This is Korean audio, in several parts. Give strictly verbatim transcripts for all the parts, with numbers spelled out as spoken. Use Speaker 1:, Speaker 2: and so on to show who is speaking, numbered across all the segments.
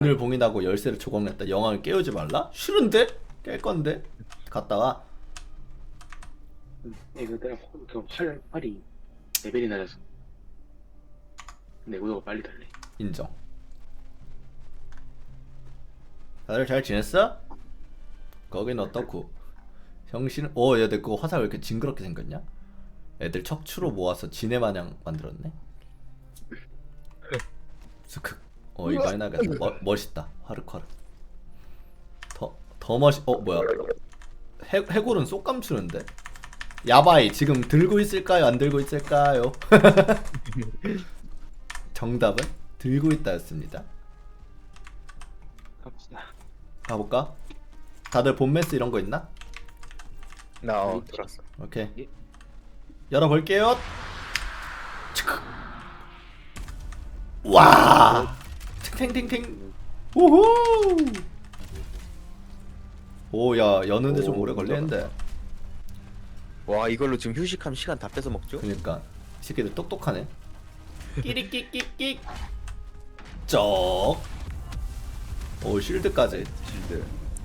Speaker 1: 오늘 봉인하고 열쇠를 조각냈다. 영왕을 깨우지 말라? 싫은데? 깰 건데? 갔다가
Speaker 2: 이거 내가 그 활, 활이 레벨이 낮아서 내구도가 빨리 달래.
Speaker 1: 인정. 다들 잘 지냈어? 거긴 어떻고? 형신, 어, 야, 내 그거 화살 왜 이렇게 징그럽게 생겼냐? 애들 척추로 모아서 지네 마냥 만들었네. 스크. 어, 이거 해나겠다. 멋 멋있다. 화르화르. 더, 더 멋있. 어, 뭐야? 해 해골은 쏙 감추는데. 야바이 지금 들고 있을까요? 안 들고 있을까요? 정답은 들고 있다였습니다.
Speaker 2: 갑시다.
Speaker 1: 가볼까? 다들 본메스 이런 거 있나?
Speaker 3: 나 어, 들었어.
Speaker 1: 오케이.
Speaker 2: 예.
Speaker 1: 열어볼게요. 치크. 와. 탱탱탱. 우후. 오야 여는데 좀
Speaker 3: 오,
Speaker 1: 오래 걸리는데.
Speaker 3: 와 이걸로 지금 휴식하면 시간 다 뺏어 먹죠?
Speaker 1: 그러니까 이 새끼들 똑똑하네. 끼리끼끼끼. 쩍. 오 쉴드까지.
Speaker 3: 실드.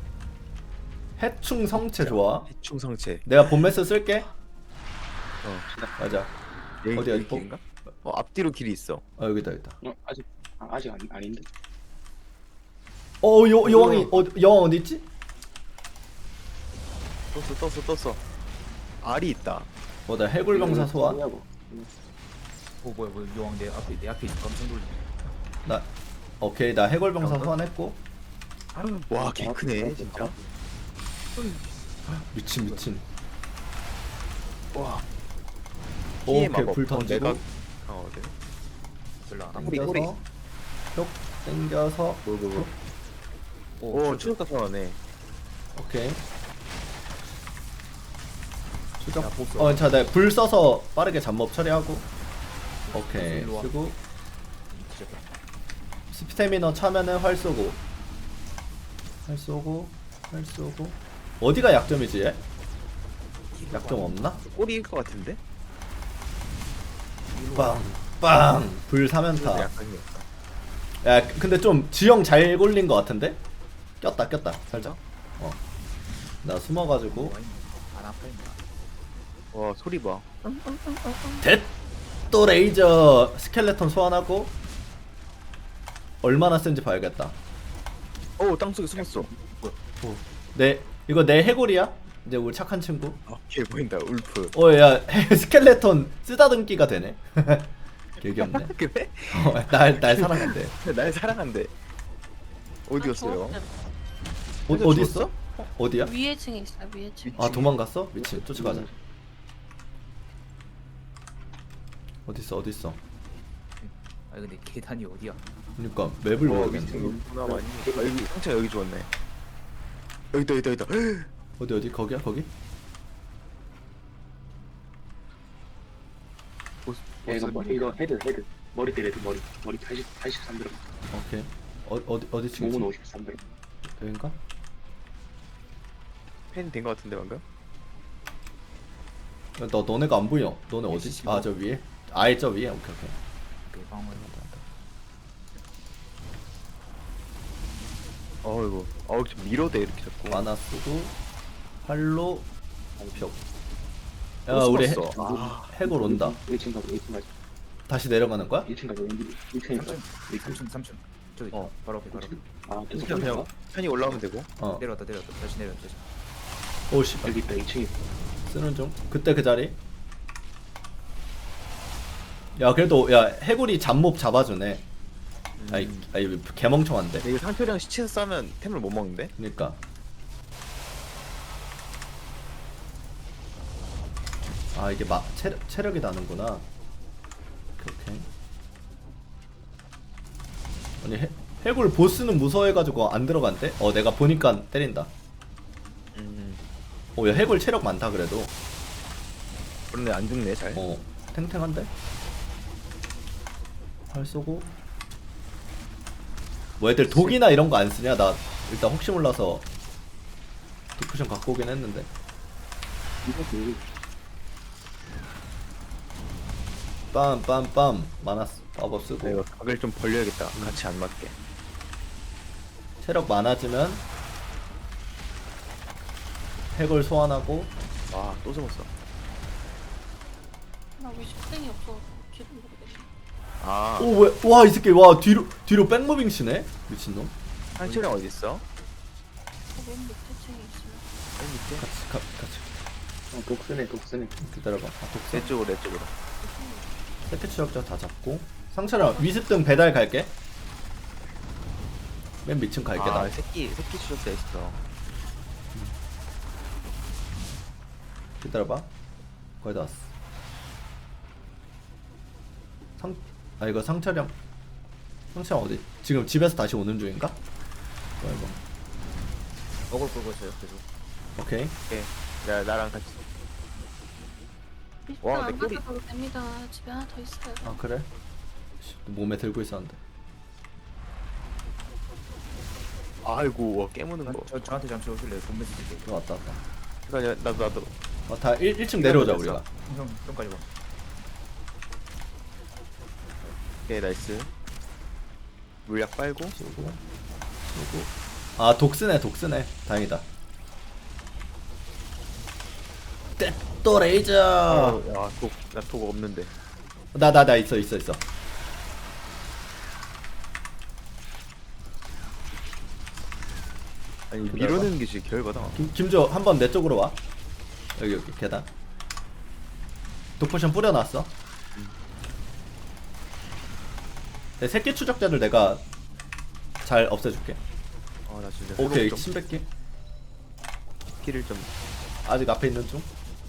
Speaker 1: 해충 성체 좋아.
Speaker 3: 해충 성체.
Speaker 1: 내가 본메스 쓸게.
Speaker 3: 어.
Speaker 1: 맞아.
Speaker 3: 여기,
Speaker 1: 어디야,
Speaker 3: 여기
Speaker 1: 이거?
Speaker 3: 길인가? 어 앞뒤로 길이 있어.
Speaker 1: 어 여기다 여기다.
Speaker 2: 어, 아직 아, 아직 아니, 아닌데.
Speaker 1: 어 여, 여왕이 어 여왕 어디 있지?
Speaker 3: 떴어 떴어 떴어. 알이 있다.
Speaker 1: 뭐다 해골병사 소환.
Speaker 2: 뭐냐고.
Speaker 4: 오 뭐야 뭐야 여왕 내 앞에 내 앞에 있어 깜짝 놀랐네.
Speaker 1: 나 오케이 나 해골병사 소환했고.
Speaker 3: 와 개 크네
Speaker 2: 아,
Speaker 3: 진짜.
Speaker 1: 미친 미친.
Speaker 3: 와.
Speaker 1: 오케이
Speaker 3: 피해 마법.
Speaker 1: 불
Speaker 3: 어,
Speaker 1: 던지고
Speaker 3: 내가 어 네.
Speaker 4: 별로 안 하고.
Speaker 3: 뿌리, 뿌리.
Speaker 1: 땡겨서 쭉 땡겨서
Speaker 3: 뭐뭐뭐.
Speaker 1: 오
Speaker 3: 오 추적가 선하네.
Speaker 1: 오케이 추적.
Speaker 4: 야, 보스.
Speaker 1: 어자 내가 불 써서 빠르게 잡몹 처리하고. 오케이
Speaker 4: 일로 와.
Speaker 1: 쓰고
Speaker 4: 진짜.
Speaker 1: 스태미너 차면은 활 쏘고 활 쏘고 활 쏘고. 어디가 약점이지 얘? 약점 없나?
Speaker 3: 꼬리일 것 같은데?
Speaker 1: 빵빵 불 사면타.
Speaker 3: 약간 이었다.
Speaker 1: 야 근데 좀 지형 잘 골린 것 같은데? 꼈다 꼈다 살짝. 어나 숨어가지고
Speaker 4: 안 아파 임마.
Speaker 3: 와 소리 봐.
Speaker 1: 또 레이저 스켈레톤 소환하고. 얼마나 센지 봐야겠다.
Speaker 3: 오 땅속에 숨었어.
Speaker 1: 내 이거 내 해골이야? 이제 우리 착한 친구.
Speaker 3: 아개 보인다 울프.
Speaker 1: 어야 스켈레톤 쓰다듬기가 되네. 개귀엽네.
Speaker 3: 그래?
Speaker 1: 어날날 사랑한대.
Speaker 3: 날 사랑한대. 어디였어요?
Speaker 1: 어, 어디 있어? 어, 어디야?
Speaker 5: 위에 층에 있어요. 위에 층.
Speaker 1: 아 도망갔어? 미친 쫓아가자. 어디 있어 어디 있어?
Speaker 4: 아 근데 계단이 어디야?
Speaker 1: 그러니까 맵을
Speaker 3: 어,
Speaker 1: 모르겠네.
Speaker 3: 미친구나 많이. 아, 여기 상처 여기 주웠네. 여기다 여기다 여기다.
Speaker 1: 어디 어디 거기야 거기?
Speaker 2: 야, 이거 뭐, 이거 헤드 헤드 머리 때려 머리 머리 팔십 팔십삼 들어.
Speaker 1: 오케이. 어 어디 어디 층이지?
Speaker 2: 몸은 오십삼 들어.
Speaker 1: 여긴가?
Speaker 3: 팬 된 것 같은데 방금?
Speaker 1: 야, 너 너네가 안 보여. 너네 어디? 아 저 위에. 아예 저 위에. 오케이 오케이.
Speaker 4: 매방을.
Speaker 3: 어이구. 어우 좀 미로돼 이렇게 자꾸.
Speaker 1: 만화 쓰고 활로 벽. 야
Speaker 3: 또
Speaker 1: 우리 해,
Speaker 3: 숨었어. 아.
Speaker 1: 해골 온다.
Speaker 2: 일 층 가자 일 층 가자
Speaker 1: 다시 내려가는 거야?
Speaker 2: 일 층 가자 일 층에 가.
Speaker 4: 삼 층 삼 층. 저기
Speaker 3: 어.
Speaker 4: 바로 앞에 바로 앞에.
Speaker 2: 아 계속
Speaker 3: 그냥 그냥
Speaker 2: 올라가?
Speaker 3: 편히 올라오면 되고.
Speaker 1: 어.
Speaker 4: 내려왔다 내려왔다 다시 내려왔다 다시.
Speaker 1: 오씨.
Speaker 2: 여기 있다 이 층에.
Speaker 1: 쓰는 중. 그때 그 자리. 야 그래도 야 해골이 잡몹 잡아주네. 아이 아이 개멍청한데.
Speaker 3: 이거 상표량 시체에서 싸면 템을 못 먹는데?
Speaker 1: 그니까. 아 이게 막 체력 체력이 나는구나. 오케이 오케이. 아니 해, 해골 보스는 무서워해가지고 안 들어간대? 어 내가 보니까 때린다.
Speaker 3: 음.
Speaker 1: 어야 해골 체력 많다 그래도.
Speaker 3: 그런데 안 죽네 잘.
Speaker 1: 어 탱탱한데? 활 쏘고. 뭐 애들 독이나 이런 거 안 쓰냐? 나 일단 혹시 몰라서 디쿠션 갖고 오긴 했는데.
Speaker 2: 이거 그
Speaker 1: 빰빰빰 많았어. 마법 쓰고.
Speaker 3: 이거 각을 좀 벌려야겠다. 같이 안 맞게.
Speaker 1: 체력 많아지면 핵을 소환하고.
Speaker 3: 와또 숨었어.
Speaker 5: 나왜 식생이 없어? 길을 모르겠네.
Speaker 3: 아
Speaker 1: 오 왜? 와 이 새끼 와 뒤로 뒤로 백무빙 치네 미친놈.
Speaker 3: 상철형 어디 있어?
Speaker 5: 저맨 밑에 층에 있어요.
Speaker 3: 맨 밑에.
Speaker 1: 같이 가, 같이
Speaker 2: 어, 독스네 독스네.
Speaker 1: 기다려봐. 아 독사.
Speaker 3: 내 쪽으로 내 쪽으로.
Speaker 1: 세트 추적자 다 잡고. 상처랑 위습등 배달 갈게. 맨 밑층 갈게
Speaker 3: 아
Speaker 1: 나.
Speaker 3: 새끼 새끼 추적자 있어.
Speaker 1: 기다려봐. 거의 다 왔어. 상, 아 이거 상철형. 상철형 어디? 지금 집에서 다시 오는 중인가? 뭐야 이거.
Speaker 4: 먹을 끌고 있어요 계속.
Speaker 1: 오케이.
Speaker 3: 오케이. 나 나랑 같이. 와,
Speaker 5: 일단
Speaker 3: 내
Speaker 5: 안
Speaker 3: 꼬리.
Speaker 5: 가져가도 됩니다. 집에 하나 더 있어요.
Speaker 1: 아 그래? 씨, 몸에 들고 있었는데.
Speaker 3: 아이고 와, 깨무는 거.
Speaker 4: 저 저한테 잠시 오실래요? 돈 메시지 게.
Speaker 1: 어, 왔다 왔다.
Speaker 3: 그러니까 나도 나도.
Speaker 1: 어, 다 일, 일 층 내려오자
Speaker 3: 됐어.
Speaker 1: 우리가.
Speaker 4: 형 좀까지 봐.
Speaker 3: 오케이 나이스. 물약 빨고.
Speaker 1: 쏘고 쏘고. 아 독스네 독스네. 다행이다. 떼또 레이저.
Speaker 3: 야독나독 없는데.
Speaker 1: 나 나 나 있어 있어 있어.
Speaker 3: 아니
Speaker 1: 기다려봐.
Speaker 3: 미루는 게 진짜 결과다.
Speaker 1: 김, 김조 한번 내 쪽으로 와. 여기 여기 계단. 독포션 뿌려놨어. 내 새끼 추적자들 내가 잘 없애줄게.
Speaker 3: 아나 진짜.
Speaker 1: 오케이
Speaker 3: 회복 좀
Speaker 1: 침뱉기.
Speaker 3: 키를 좀.
Speaker 1: 아직 앞에 있는 중.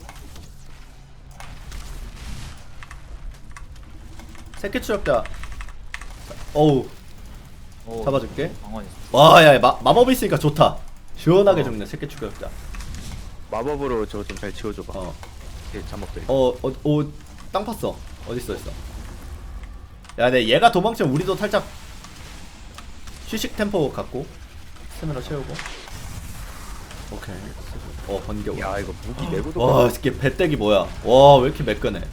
Speaker 1: 새끼 추적자. 어우
Speaker 4: 오,
Speaker 1: 잡아줄게.
Speaker 4: 방언 있어.
Speaker 1: 와야 마법 있으니까 좋다. 시원하게 죽네 새끼 추적자.
Speaker 3: 마법으로 저거 좀 잘 지워줘봐.
Speaker 1: 어.
Speaker 3: 이렇게 잠복돼.
Speaker 1: 어어어땅 팠어. 어디 있어 있어. 야, 내 얘가 도망치면 우리도 살짝 휴식 템포 갖고 스태미나 채우고. 오케이. 어 번개.
Speaker 3: 야 이거 무기 내고도.
Speaker 1: 와, 이 새끼 배때기 뭐야? 와, 왜 이렇게 매끈해?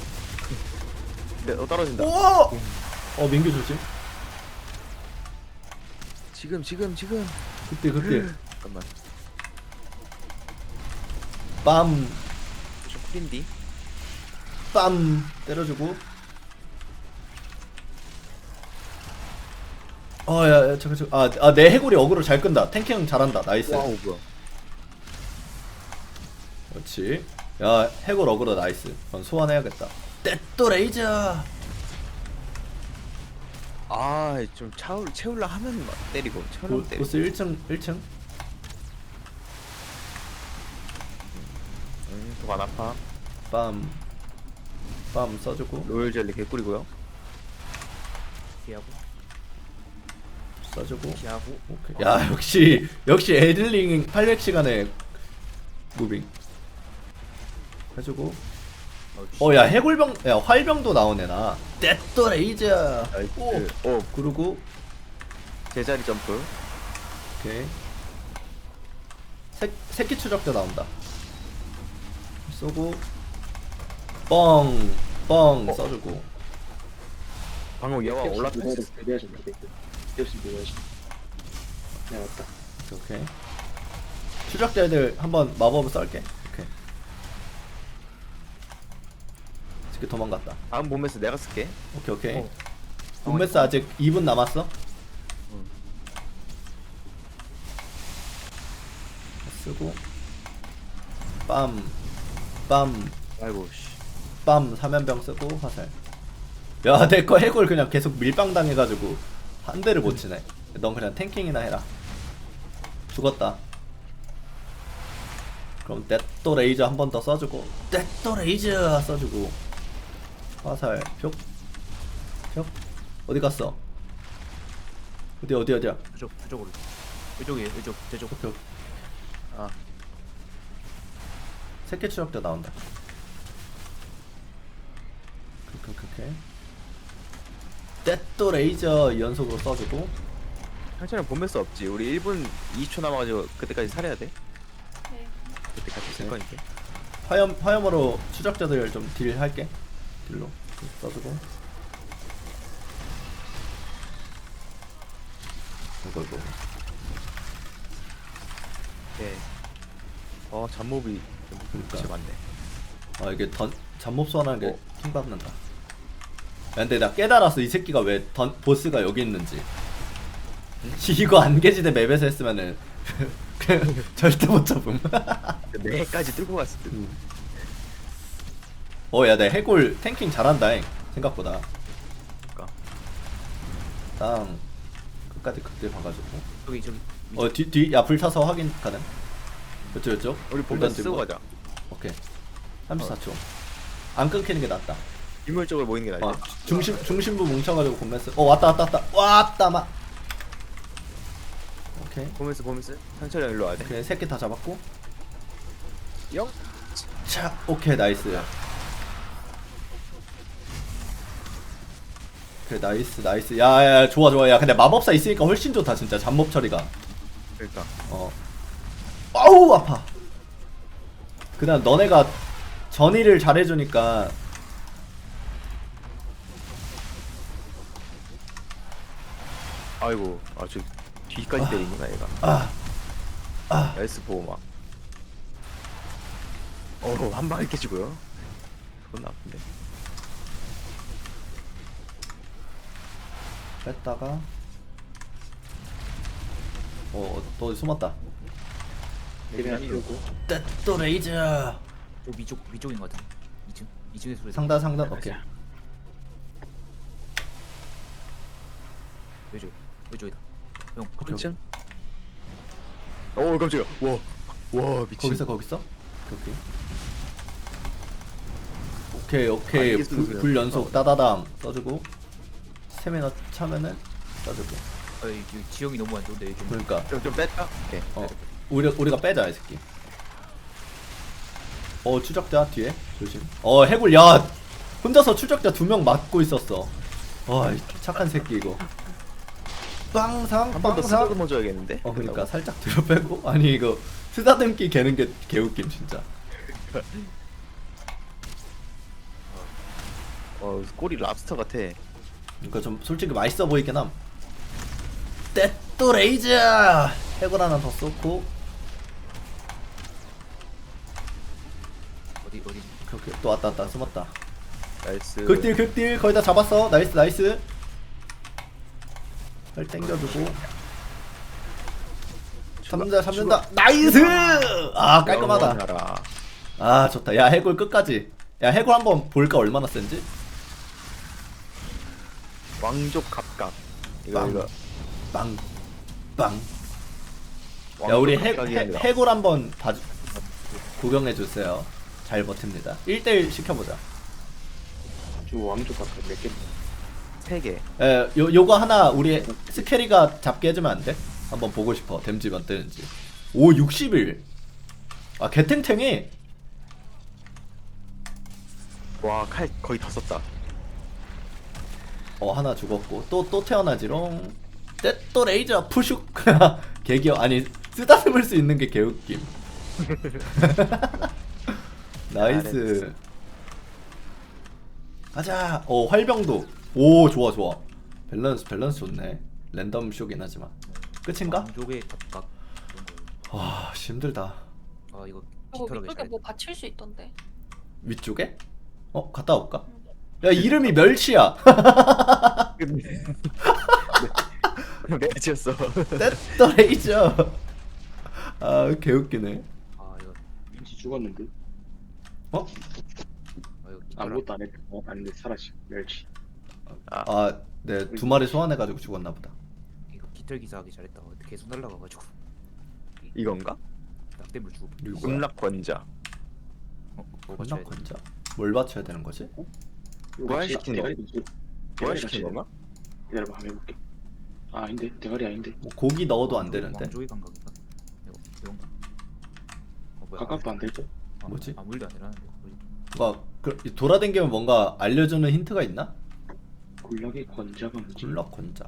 Speaker 3: 내, 어 떨어진다.
Speaker 1: 오! 어 민규 조심.
Speaker 3: 지금 지금 지금.
Speaker 1: 그때 그때.
Speaker 3: 잠깐만.
Speaker 1: 빰,
Speaker 3: 좀 쿨인디.
Speaker 1: 빰 때려주고. 어, 야, 야, 잠깐, 잠깐. 아, 아, 내 해골이 어그로 잘 끈다. 탱킹 잘한다. 나이스.
Speaker 3: 와우 뭐야.
Speaker 1: 그렇지. 야, 해골 어그로 나이스. 그럼 소환해야겠다. 떼또 레이저.
Speaker 3: 아좀 차올 채울라 하면 막 때리고 채울라
Speaker 1: 보,
Speaker 3: 때리고.
Speaker 1: 보스 일 층 일 층.
Speaker 3: 음, 독안 아파.
Speaker 1: 빰. 빰 써주고.
Speaker 3: 로열 젤리 개꿀이고요.
Speaker 4: 피하고
Speaker 1: 써주고.
Speaker 4: 피하고.
Speaker 1: 오케이. 야, 역시 역시 에들링 팔백 시간에 무빙 해주고. 어, 야, 해골병, 야, 활병도 나오네 나. 떼또 레이저. 오.
Speaker 3: 나이스. 오
Speaker 1: 그리고
Speaker 3: 제자리 점프.
Speaker 1: 오케이. 새, 새끼 추적자 나온다. 쏘고 뻥, 뻥
Speaker 3: 어.
Speaker 1: 써주고.
Speaker 3: 방금 얘가 올라타.
Speaker 2: 대비하신다 대비. 역시 대비하신다. 네 왔다.
Speaker 1: 오케이. 추적자 애들 한번 마법을 썰게. 오케이. 지금 도망갔다.
Speaker 3: 다음 몸에서 내가 쓸게.
Speaker 1: 오케이 오케이.
Speaker 4: 어.
Speaker 1: 분메스 아직 이 분 남았어.
Speaker 3: 응.
Speaker 1: 쓰고 빰, 빰,
Speaker 3: 아이고 씨.
Speaker 1: 빰 사면병 쓰고 화살. 야, 내 거 해골 그냥 계속 밀빵 당해가지고 한 대를 못 치네. 넌 그냥 탱킹이나 해라. 죽었다. 그럼 떼또 레이저 한 번 더 써주고. 떼또 레이저 써주고. 화살 표. 표. 어디 갔어? 어디 어디 어디야?
Speaker 4: 저쪽 저쪽으로. 이쪽이에요. 이쪽 저쪽.
Speaker 1: 오케이 오케이.
Speaker 3: 아
Speaker 1: 새끼 추적자 나온다. 오케이 오케이 오케이. 떼또 레이저 연속으로 써주고.
Speaker 3: 상처는 몸에서 없지. 우리 일 분 이십 초 남아가지고 그때까지 살해야 돼.
Speaker 5: 네.
Speaker 3: 그때 같이 쓸
Speaker 1: 네.
Speaker 3: 거니까.
Speaker 1: 화염 화염으로 추적자들 좀 딜 할게. 딜로 써주고. 이거 이거.
Speaker 3: 네. 어 잡몹이
Speaker 1: 그러니까.
Speaker 3: 진짜 많네.
Speaker 1: 아 이게 던 잡몹 소환하는 게
Speaker 3: 어.
Speaker 1: 킹받는다. 야, 근데 나 깨달았어 이 새끼가 왜 던 보스가 여기 있는지. 이거 안개지대 맵에서 했으면은 그냥 절대 못 잡음.
Speaker 3: 내까지 뚫고 갔을 때.
Speaker 1: 어야 내 해골 탱킹 잘한다잉 생각보다.
Speaker 3: 그러니까.
Speaker 1: 땅 끝까지 극딜 봐가지고.
Speaker 4: 저기 저기
Speaker 1: 어뒤뒤야 불타서 확인 가능. 이쪽 이쪽.
Speaker 3: 우리
Speaker 1: 불
Speaker 3: 본다
Speaker 1: 던지고.
Speaker 3: 쓰고 가자.
Speaker 1: 오케이. 삼십사 초. 안 끊기는 게 낫다.
Speaker 3: 인물적으로 모이는 게
Speaker 1: 어,
Speaker 3: 나아.
Speaker 1: 중심 중심부 뭉쳐가지고 곰매스. 어 왔다 왔다 왔다 왔다 마. 오케이.
Speaker 3: 보면서 보면서 상철이 형 일로 와야 돼.
Speaker 1: 오케이 세 개 다 잡았고.
Speaker 3: 영.
Speaker 1: 자 오케이 나이스. 오케이 나이스 나이스. 야야 좋아 좋아. 야 근데 마법사 있으니까 훨씬 좋다 진짜 잡몹 처리가.
Speaker 3: 그러니까.
Speaker 1: 어. 아우 아파. 그다음 너네가 전의를 잘해주니까.
Speaker 3: 아이고. 아저 뒤까지 때리는구나 얘가.
Speaker 1: 아. 아.
Speaker 3: 나이스 보호막. 어한 방에 깨지고요. 그건 나쁜데.
Speaker 1: 뺐다가. 어또 어디 숨었다.
Speaker 2: 그냥 이러고
Speaker 1: 떼또 레이저.
Speaker 4: 저 위쪽 위쪽인 것 같은데. 이층 이층에 소리.
Speaker 1: 상단 상단 오케이.
Speaker 4: 왼쪽 왼쪽이다. 형
Speaker 1: 오케이,
Speaker 3: 층. 오 깜짝이야. 와. 와 미친.
Speaker 1: 거기서 거기서 오케이 오케이 오케이
Speaker 3: 아, 이게
Speaker 1: 불,
Speaker 3: 쓰는
Speaker 1: 불
Speaker 3: 거야.
Speaker 1: 연속 따다담 써주고 스태미나 차면은 써주고.
Speaker 4: 아, 이 지형이 너무 안 좋은데 좀.
Speaker 1: 그러니까
Speaker 3: 좀, 좀 뺐다. 오케이.
Speaker 1: 어 우리 우리가 빼자 이 새끼. 어 추적자 뒤에 조심. 어 해골 야 혼자서 추적자 두 명 맞고 있었어. 와이 착한 새끼 이거. 빵상
Speaker 3: 한 번 더
Speaker 1: 빵상.
Speaker 3: 쓰다듬어 줘야겠는데.
Speaker 1: 어 그러니까 살짝 뒤로 빼고. 아니 이거 쓰다듬기 개는 게 개웃김 진짜.
Speaker 3: 어 꼬리 랍스터 같아.
Speaker 1: 그러니까 좀 솔직히 맛있어 보이긴 함. 떼또 레이저. 해골 하나 더 쏘고.
Speaker 4: 어디 어디.
Speaker 1: 오케이 또 왔다 왔다 숨었다.
Speaker 3: 나이스.
Speaker 1: 극딜 극딜 거의 다 잡았어. 나이스 나이스. 발 땡겨주고. 잡는다 잡는다. 나이스. 아 깔끔하다.
Speaker 3: 영원하라.
Speaker 1: 아 좋다. 야 해골 끝까지. 야 해골 한번 볼까 얼마나 센지.
Speaker 3: 왕족 갑각. 이거
Speaker 1: 빵.
Speaker 3: 이거.
Speaker 1: 빵. 빵. 야
Speaker 3: 왕족
Speaker 1: 우리 해,
Speaker 3: 갑각이
Speaker 1: 해,
Speaker 3: 아니라.
Speaker 1: 해골 한번 봐주 구경해 주세요. 잘 버팁니다. 일 대 일 시켜보자.
Speaker 2: 저 왕족 같은 몇 개.
Speaker 3: 세 개.
Speaker 1: 에, 요 요거 하나 우리 스케리가 잡게 해주면 안 돼? 한번 보고 싶어. 댐지 몇 되는지. 오 육십일. 아 개탱탱해.
Speaker 3: 와 칼 거의 다 썼다.
Speaker 1: 어 하나 죽었고 또 또 태어나지롱. 떼또 레이저 푸슉. 개기어 아니 쓰다듬을 수 있는 게 개웃김. 나이스. 가자. 어 활병도. 오 좋아 좋아. 밸런스 밸런스 좋네. 랜덤 쇼긴 하지만. 끝인가?
Speaker 4: 왕족의 각각 이런 거.
Speaker 1: 와 씨, 힘들다.
Speaker 4: 아 이거
Speaker 5: 이거
Speaker 4: 깃털하게
Speaker 5: 위쪽에
Speaker 4: 잘.
Speaker 5: 뭐 받칠 수 있던데.
Speaker 1: 위쪽에? 어 갔다 올까? 야 이름이 멸치야.
Speaker 3: 매치였어.
Speaker 1: 떼또 레이저. 아 개웃기네.
Speaker 4: 아 이거
Speaker 2: 왠지 죽었는데
Speaker 1: 어?
Speaker 4: 아 이거 깃털.
Speaker 2: 아무것도 안 했대. 어 아닌데 살았지 멸치.
Speaker 1: 아, 네 두 마리 소환해가지고 죽었나 보다.
Speaker 4: 이거 깃털 기사하기 잘했다. 어, 계속 날라가가지고
Speaker 3: 이건가?
Speaker 4: 낙대물 주고.
Speaker 1: 이거
Speaker 3: 군락 권자.
Speaker 4: 어, 뭐
Speaker 1: 건나
Speaker 4: 맞춰야 돼?
Speaker 1: 건자. 뭘 맞춰야 되는 거지?
Speaker 3: 부활시키는 거.
Speaker 2: 대가리
Speaker 3: 부활시키는 건가?
Speaker 2: 기다려봐 한번 해볼게. 아 아닌데 대가리 아닌데.
Speaker 1: 뭐 고기 넣어도 안
Speaker 4: 왕족-
Speaker 1: 되는데.
Speaker 4: 왕족의 감각인가? 이거 이건가? 어, 뭐야?
Speaker 2: 가깝도 안 되죠?
Speaker 4: 아,
Speaker 1: 뭐지?
Speaker 4: 아무 일도 안 일어나는데. 뭐지?
Speaker 1: 뭔가 그, 돌아다니면 뭔가 알려주는 힌트가 있나?
Speaker 2: 굴락의 권자가 뭔지.
Speaker 1: 굴락 건자.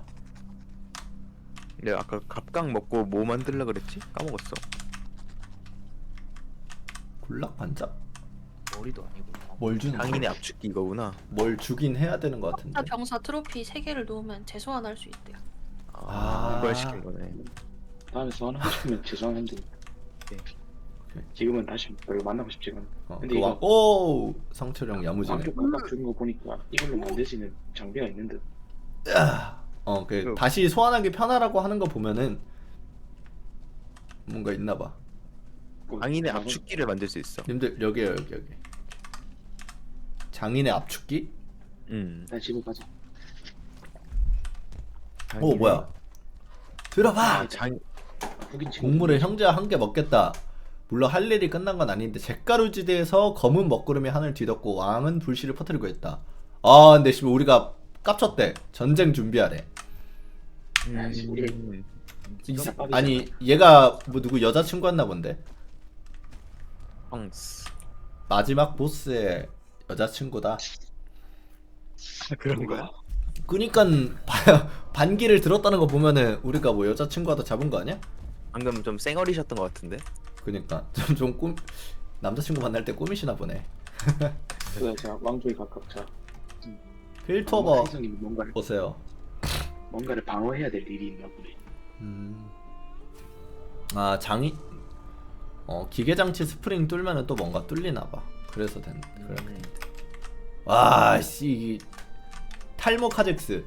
Speaker 3: 내가 아까 갑각 먹고 뭐 만들라 그랬지? 까먹었어.
Speaker 1: 굴락 관자?
Speaker 4: 머리도 아니고.
Speaker 1: 뭘 주는
Speaker 3: 장인의
Speaker 1: 거야?
Speaker 3: 압축기 이거구나.
Speaker 1: 뭘 주긴 해야 되는 것 같은데.
Speaker 5: 아, 병사 트로피 세 개를 놓으면 재소환할 수 있대요.
Speaker 1: 아.
Speaker 3: 아 부활시킨 거네.
Speaker 2: 다음에 소환 하시면 죄송한데 지금은 다시 별로 만나고 싶지가 않아.
Speaker 1: 어,
Speaker 2: 근데
Speaker 1: 그
Speaker 2: 이거-
Speaker 1: 왕, 오 상철형 야무지네.
Speaker 2: 왕쪽 각각 주는 거 보니까 이걸로 만들 수 있는 장비가 있는 듯.
Speaker 1: 어, 그
Speaker 3: 그-
Speaker 1: 다시 소환하기 편하라고 하는 거 보면은 뭔가 있나봐.
Speaker 2: 뭐,
Speaker 3: 장인의
Speaker 2: 나는-
Speaker 3: 압축기를 만들 수 있어.
Speaker 1: 님들 여기요 여기 여기. 장인의 압축기?
Speaker 3: 음.
Speaker 2: 일단 집에 가자.
Speaker 1: 오
Speaker 3: 장인의-
Speaker 1: 뭐야? 들어봐.
Speaker 3: 아, 장
Speaker 2: 흑인 친구.
Speaker 1: 곡물에 형제와 함께 먹겠다. 물론 할 일이 끝난 건 아닌데 잿가루지대에서 검은 먹구름이 하늘 뒤덮고 왕은 불씨를 퍼뜨리고 있다. 아 근데 지금 우리가 깝쳤대. 전쟁 준비하래.
Speaker 2: 야, 씨, 우리-
Speaker 3: 음.
Speaker 1: 이,
Speaker 2: 진짜 빡이잖아.
Speaker 1: 아니 얘가 뭐 누구 여자친구였나 본데.
Speaker 3: 펑스.
Speaker 1: 마지막 보스의 여자친구다.
Speaker 3: 그런 거야?
Speaker 1: 그니까 바- 반기를 들었다는 거 보면은 우리가 뭐 여자친구하다 잡은 거 아니야?
Speaker 3: 방금 좀 쌩얼이셨던 것 같은데.
Speaker 1: 그니까 좀 좀 꿈 남자친구 만날 때 꾸미시나 보네.
Speaker 2: 그래, 자 왕족이 각각 자.
Speaker 1: 필터버
Speaker 2: 해성이 뭔가를
Speaker 1: 보세요.
Speaker 2: 뭔가를 방어해야 될 일이 있나 보네.
Speaker 1: 음. 아 장이 어 기계 장치 스프링 뚫면은 또 뭔가 뚫리나 봐. 그래서 된 그래.
Speaker 3: 음.
Speaker 1: 와씨 탈모 카젝스.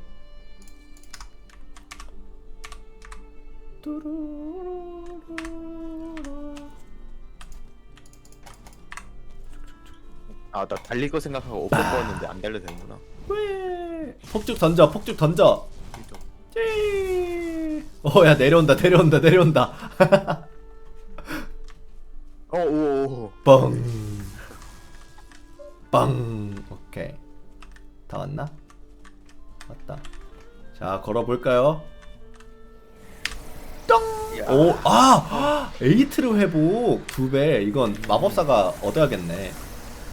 Speaker 3: 아, 나 달릴 거 생각하고 오버 뽑았는데 안 달려도 되는구나.
Speaker 1: 왜? 폭죽 던져, 폭죽 던져. 찌. 어야 내려온다, 내려온다, 내려온다.
Speaker 3: 어, 오, 오.
Speaker 1: 뻥. 빵. 오케이. 다 왔나? 왔다. 자 걸어 볼까요? 똥. 오, 아, 에이트르 회복 두 배. 이건 마법사가 얻어야겠네.